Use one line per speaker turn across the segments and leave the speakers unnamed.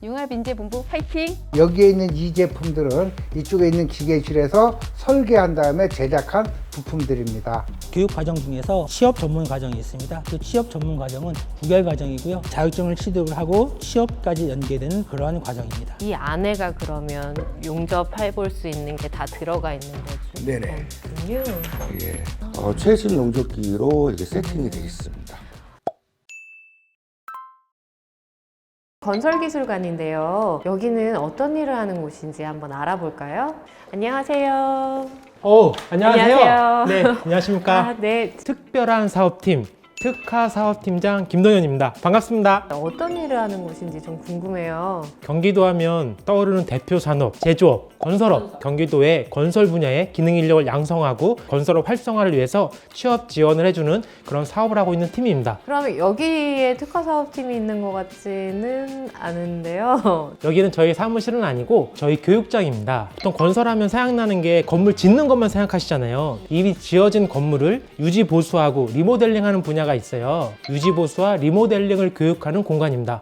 융합인재본부 파이팅!
여기에 있는 이 제품들은 이쪽에 있는 기계실에서 설계한 다음에 제작한 부품들입니다.
교육 과정 중에서 취업 전문 과정이 있습니다. 그 취업 전문 과정은 9개월 과정이고요. 자격증을 취득을 하고 취업까지 연계되는 그러한 과정입니다.
이 안에가 그러면 용접해볼 수 있는 게 다 들어가 있는 거죠?
네네.
그렇군요.
예. 최신 용접기로 이렇게 세팅이 되어 있습니다.
건설기술관인데요. 여기는 어떤 일을 하는 곳인지 한번 알아볼까요? 안녕하세요.
안녕하세요.
안녕하세요.
네, 안녕하십니까.
아, 네.
특별한 사업팀, 특화사업팀장 김동현입니다. 반갑습니다.
어떤 일을 하는 곳인지 좀 궁금해요.
경기도 하면 떠오르는 대표 산업, 제조업, 건설업, 경기도의 건설 분야의 기능 인력을 양성하고 건설업 활성화를 위해서 취업 지원을 해주는 그런 사업을 하고 있는 팀입니다.
그러면 여기에 특화사업팀이 있는 것 같지는 않은데요.
여기는 저희 사무실은 아니고 저희 교육장입니다. 보통 건설하면 생각나는 게 건물 짓는 것만 생각하시잖아요. 이미 지어진 건물을 유지 보수하고 리모델링하는 분야가 있어요. 유지 보수와 리모델링을 교육하는 공간입니다.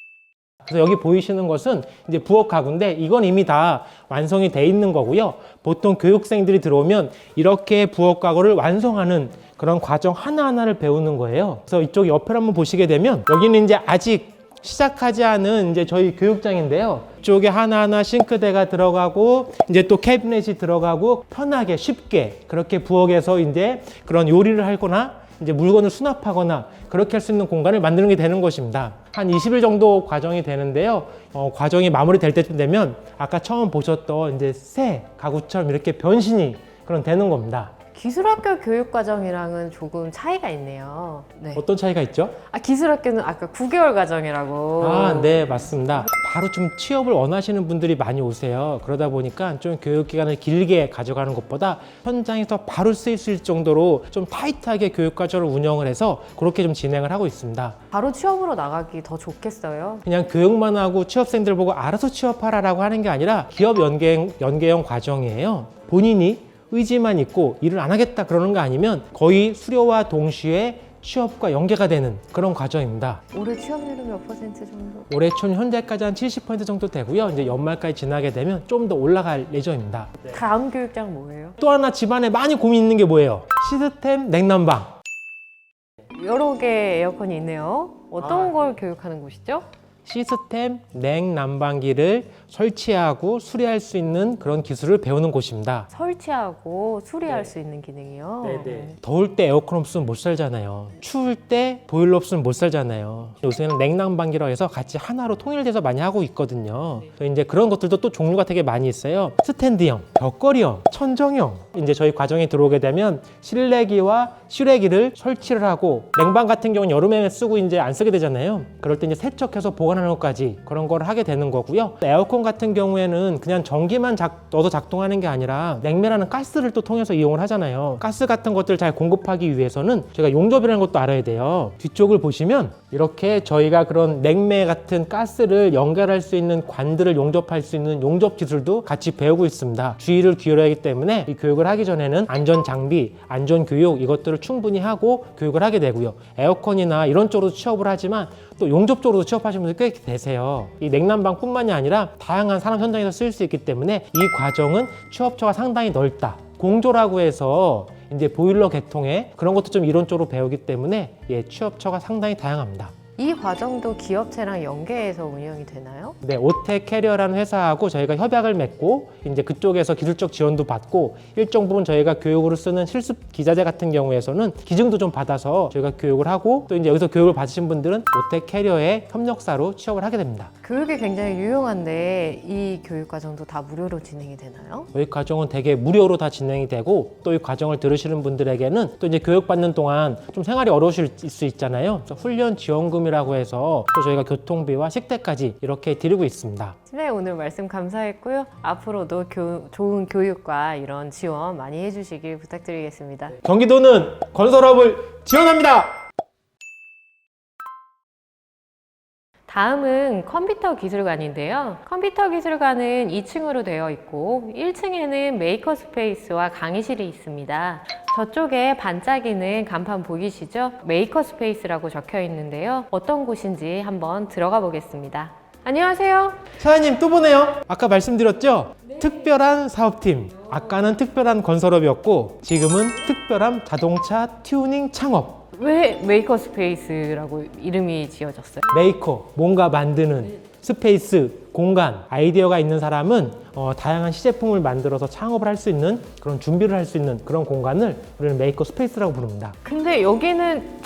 그래서 여기 보이시는 것은 이제 부엌 가구인데 이건 이미 다 완성이 돼 있는 거고요. 보통 교육생들이 들어오면 이렇게 부엌 가구를 완성하는 그런 과정 하나하나를 배우는 거예요. 그래서 이쪽 옆을 한번 보시게 되면 여기는 이제 아직 시작하지 않은 이제 저희 교육장인데요. 이쪽에 하나하나 싱크대가 들어가고 이제 또 캐비넷이 들어가고 편하게 쉽게 그렇게 부엌에서 이제 그런 요리를 하거나 이제 물건을 수납하거나 그렇게 할 수 있는 공간을 만드는 게 되는 것입니다. 한 20일 정도 과정이 되는데요. 과정이 마무리될 때쯤 되면 아까 처음 보셨던 이제 새 가구처럼 이렇게 변신이 그런 되는 겁니다.
기술학교 교육과정이랑은 조금 차이가 있네요. 네.
어떤 차이가 있죠?
기술학교는 아까 9개월 과정이라고.
네, 맞습니다. 바로 좀 취업을 원하시는 분들이 많이 오세요. 그러다 보니까 좀 교육기간을 길게 가져가는 것보다 현장에서 바로 쓰일 수 있을 정도로 좀 타이트하게 교육과정을 운영을 해서 그렇게 좀 진행을 하고 있습니다.
바로 취업으로 나가기 더 좋겠어요.
그냥 교육만 하고 취업생들 보고 알아서 취업하라라고 하는 게 아니라 기업 연계형 과정이에요. 본인이 의지만 있고 일을 안 하겠다 그러는 거 아니면 거의 수료와 동시에 취업과 연계가 되는 그런 과정입니다.
올해 취업률은 몇 퍼센트 정도?
올해 초 현재까지 한 70% 정도 되고요. 이제 연말까지 지나게 되면 좀 더 올라갈 예정입니다.
다음 교육장 뭐예요?
또 하나 집안에 많이 고민 있는 게 뭐예요? 시스템 냉난방.
여러 개 에어컨이 있네요. 어떤 걸 교육하는 곳이죠?
시스템 냉난방기를 설치하고 수리할 수 있는 그런 기술을 배우는 곳입니다.
설치하고 수리할 수 있는 기능이요.
더울 때 에어컨 없으면 못 살잖아요. 추울 때 보일러 없으면 못 살잖아요. 요새는 냉난방기라고 해서 같이 하나로 통일돼서 많이 하고 있거든요. 이제 그런 것들도 또 종류가 되게 많이 있어요. 스탠드형, 벽걸이형, 천정형. 이제 저희 과정에 들어오게 되면 실내기와 실외기를 설치를 하고 냉방 같은 경우는 여름에 쓰고 이제 안 쓰게 되잖아요. 그럴 때 이제 세척해서 보관하는 것까지 그런 걸 하게 되는 거고요. 에어컨 같은 경우에는 그냥 전기만 넣어서 작동하는 게 아니라 냉매라는 가스를 또 통해서 이용을 하잖아요. 가스 같은 것들을 잘 공급하기 위해서는 제가 용접이라는 것도 알아야 돼요. 뒤쪽을 보시면 이렇게 저희가 그런 냉매 같은 가스를 연결할 수 있는 관들을 용접할 수 있는 용접 기술도 같이 배우고 있습니다. 주의를 기울여야 하기 때문에 이 교육을 하기 전에는 안전 장비, 안전 교육 이것들을 충분히 하고 교육을 하게 되고요. 에어컨이나 이런 쪽으로 취업을 하지만 또 용접 쪽으로도 취업하시는 분들 꽤 계세요. 이 냉난방뿐만이 아니라 다양한 산업 현장에서 쓰일 수 있기 때문에 이 과정은 취업처가 상당히 넓다. 공조라고 해서 이제 보일러 개통에 그런 것도 좀 이론적으로 배우기 때문에 취업처가 상당히 다양합니다.
이 과정도 기업체랑 연계해서 운영이 되나요?
네, 오텍 캐리어라는 회사하고 저희가 협약을 맺고 이제 그쪽에서 기술적 지원도 받고 일정 부분 저희가 교육으로 쓰는 실습 기자재 같은 경우에서는 기증도 좀 받아서 저희가 교육을 하고 또 이제 여기서 교육을 받으신 분들은 오텍 캐리어의 협력사로 취업을 하게 됩니다.
교육이 굉장히 유용한데 이 교육 과정도 다 무료로 진행이 되나요?
저희 과정은 되게 무료로 다 진행이 되고 또 이 과정을 들으시는 분들에게는 또 이제 교육받는 동안 좀 생활이 어려우실 수 있잖아요. 그래서 훈련 지원금이라고 해서 또 저희가 교통비와 식대까지 이렇게 드리고 있습니다.
네, 오늘 말씀 감사했고요. 앞으로도 좋은 교육과 이런 지원 많이 해주시길 부탁드리겠습니다.
경기도는 건설업을 지원합니다.
다음은 컴퓨터 기술관인데요. 컴퓨터 기술관은 2층으로 되어 있고 1층에는 메이커 스페이스와 강의실이 있습니다. 저쪽에 반짝이는 간판 보이시죠? 메이커 스페이스라고 적혀 있는데요. 어떤 곳인지 한번 들어가 보겠습니다. 안녕하세요.
사장님 또 보네요. 아까 말씀드렸죠? 특별한 사업팀. 아까는 특별한 건설업이었고 지금은 특별한 자동차 튜닝 창업.
왜 메이커 스페이스라고 이름이 지어졌어요?
메이커, 뭔가 만드는 스페이스, 공간, 아이디어가 있는 사람은 다양한 시제품을 만들어서 창업을 할 수 있는 그런 준비를 할 수 있는 그런 공간을 우리는 메이커 스페이스라고 부릅니다.
근데 여기는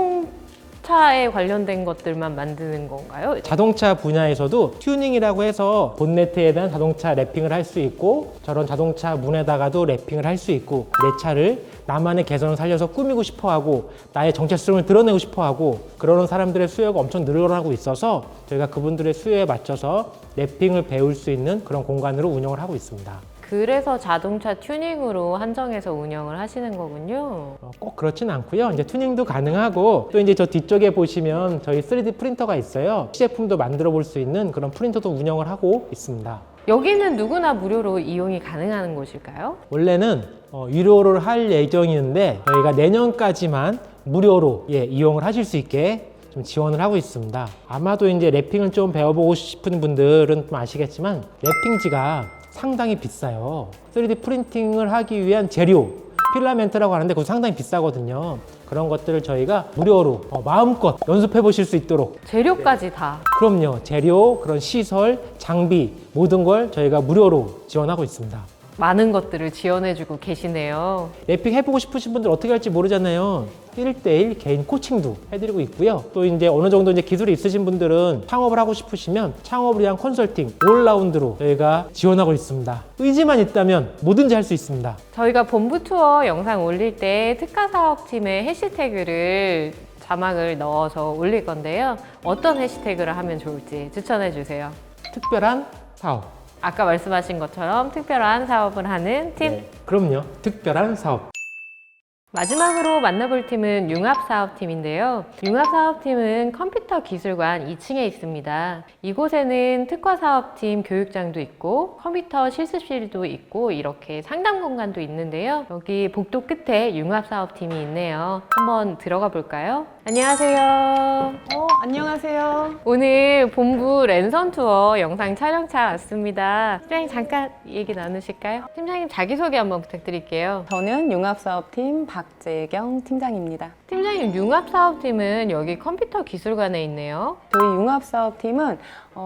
자동차에 관련된 것들만 만드는 건가요?
자동차 분야에서도 튜닝이라고 해서 본네트에 대한 자동차 랩핑을 할 수 있고 저런 자동차 문에다가도 랩핑을 할 수 있고 내 차를 나만의 개성을 살려서 꾸미고 싶어하고 나의 정체성을 드러내고 싶어하고 그러는 사람들의 수요가 엄청 늘어나고 있어서 저희가 그분들의 수요에 맞춰서 랩핑을 배울 수 있는 그런 공간으로 운영을 하고 있습니다.
그래서 자동차 튜닝으로 한정해서 운영을 하시는 거군요.
꼭 그렇진 않고요. 이제 튜닝도 가능하고 또 이제 저 뒤쪽에 보시면 저희 3D 프린터가 있어요. 시제품도 만들어 볼 수 있는 그런 프린터도 운영을 하고 있습니다.
여기는 누구나 무료로 이용이 가능한 곳일까요?
원래는 유료를 할 예정이었는데 저희가 내년까지만 무료로 이용을 하실 수 있게 좀 지원을 하고 있습니다. 아마도 이제 랩핑을 좀 배워보고 싶은 분들은 좀 아시겠지만 랩핑지가 상당히 비싸요. 3D 프린팅을 하기 위한 재료, 필라멘트라고 하는데 그거 상당히 비싸거든요. 그런 것들을 저희가 무료로 마음껏 연습해 보실 수 있도록
재료까지 다.
그럼요. 재료, 그런 시설, 장비 모든 걸 저희가 무료로 지원하고 있습니다.
많은 것들을 지원해주고 계시네요.
랩핑 해보고 싶으신 분들 어떻게 할지 모르잖아요. 1대1 개인 코칭도 해드리고 있고요. 또 이제 어느 정도 이제 기술이 있으신 분들은 창업을 하고 싶으시면 창업을 위한 컨설팅 올라운드로 저희가 지원하고 있습니다. 의지만 있다면 뭐든지 할 수 있습니다.
저희가 본부 투어 영상 올릴 때 특화 사업팀의 해시태그를 자막을 넣어서 올릴 건데요. 어떤 해시태그를 하면 좋을지 추천해 주세요.
특별한 사업.
아까 말씀하신 것처럼 특별한 사업을 하는 팀.
그럼요. 특별한 사업.
마지막으로 만나볼 팀은 융합사업팀인데요. 융합사업팀은 컴퓨터 기술관 2층에 있습니다. 이곳에는 특화사업팀 교육장도 있고 컴퓨터 실습실도 있고 이렇게 상담 공간도 있는데요. 여기 복도 끝에 융합사업팀이 있네요. 한번 들어가 볼까요? 안녕하세요.
안녕하세요.
오늘 본부 랜선 투어 영상 촬영차 왔습니다. 팀장님 잠깐 얘기 나누실까요? 팀장님 자기소개 한번 부탁드릴게요.
저는 융합사업팀 박재경 팀장입니다.
팀장님 융합사업팀은 여기 컴퓨터 기술관에 있네요.
저희 융합사업팀은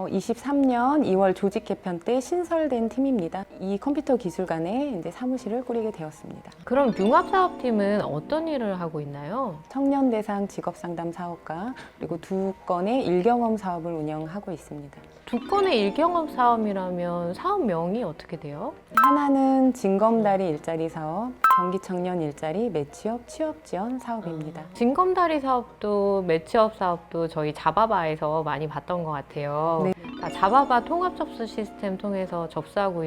23년 2월 조직 개편 때 신설된 팀입니다. 이 컴퓨터 기술관에 이제 사무실을 꾸리게 되었습니다.
그럼 융합사업팀은 어떤 일을 하고 있나요?
청년 대상 직업 상담 사업과 그리고 2건의 일경험 사업을 운영하고 있습니다.
2건의 일경험 사업이라면 사업명이 어떻게 돼요?
하나는 징검다리 일자리 사업, 경기 청년 일자리 매취업 취업 지원 사업입니다.
징검다리 사업도 매치업 사업도 저희 자바바에서 많이 봤던 것 같아요.
네.
자바바 통합 접수 시스템 통해서 접수하고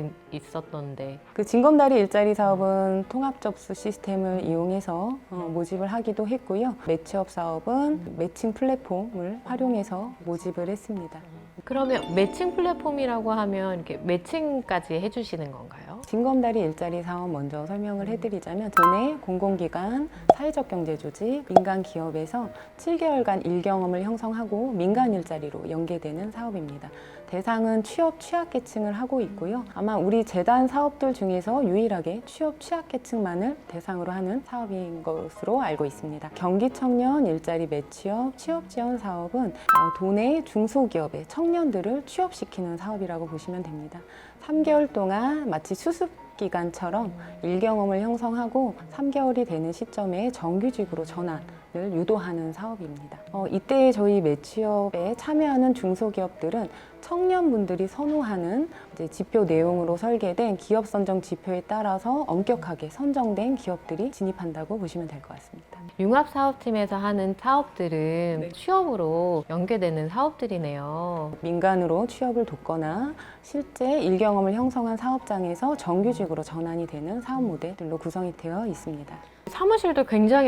있었던데
그 징검다리 일자리 사업은 통합 접수 시스템을 이용해서 모집을 하기도 했고요. 매취업 사업은 매칭 플랫폼을 활용해서 모집을 했습니다.
그러면 매칭 플랫폼이라고 하면 이렇게 매칭까지 해주시는 건가요?
징검다리 일자리 사업 먼저 설명을 해드리자면 도내 공공기관, 사회적 경제조직, 민간 기업에서 7개월간 일경험을 형성하고 민간 일자리로 연계되는 사업입니다. 대상은 취업 취약계층을 하고 있고요. 아마 우리 재단 사업들 중에서 유일하게 취업 취약계층만을 대상으로 하는 사업인 것으로 알고 있습니다. 경기 청년 일자리 매취업 취업 지원 사업은 도내 중소기업의 청년들을 취업시키는 사업이라고 보시면 됩니다. 3개월 동안 마치 수습 기간처럼 일경험을 형성하고 3개월이 되는 시점에 정규직으로 전환을 유도하는 사업입니다. 이때 저희 매취업에 참여하는 중소기업들은 청년분들이 선호하는 이제 지표 내용으로 설계된 기업 선정 지표에 따라서 엄격하게 선정된 기업들이 진입한다고 보시면 될 것 같습니다.
융합사업팀에서 하는 사업들은 취업으로 연계되는 사업들이네요.
민간으로 취업을 돕거나 실제 일경험을 형성한 사업장에서 정규직으로 전환이 되는 사업 모델들로 구성이 되어 있습니다.
사무실도 굉장히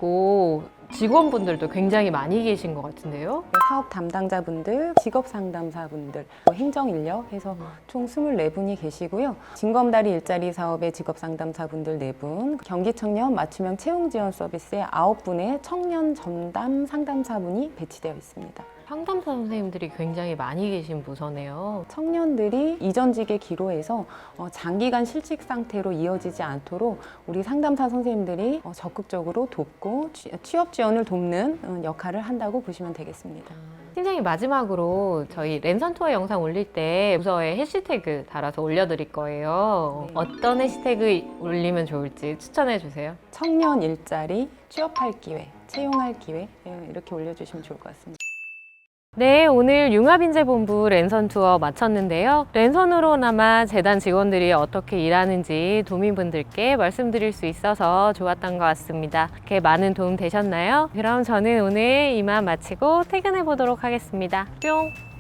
넓고 직원분들도 굉장히 많이 계신 것 같은데요?
사업 담당자분들, 직업 상담사분들, 행정 인력 해서 총 24분이 계시고요. 징검다리 일자리 사업의 직업 상담사분들 4분, 경기 청년 맞춤형 채용 지원 서비스에 9분의 청년 전담 상담사분이 배치되어 있습니다.
상담사 선생님들이 굉장히 많이 계신 부서네요.
청년들이 이전직의 기로에서 장기간 실직 상태로 이어지지 않도록 우리 상담사 선생님들이 적극적으로 돕고 취업 지원을 돕는 역할을 한다고 보시면 되겠습니다.
팀장님, 마지막으로 저희 랜선 투어 영상 올릴 때 부서에 해시태그 달아서 올려드릴 거예요.
네.
어떤 해시태그 올리면 좋을지 추천해 주세요.
청년 일자리, 취업할 기회, 채용할 기회 이렇게 올려주시면 좋을 것 같습니다.
네, 오늘 융합인재본부 랜선 투어 마쳤는데요. 랜선으로나마 재단 직원들이 어떻게 일하는지 도민분들께 말씀드릴 수 있어서 좋았던 것 같습니다. 이렇게 많은 도움 되셨나요? 그럼 저는 오늘 이만 마치고 퇴근해 보도록 하겠습니다. 뿅!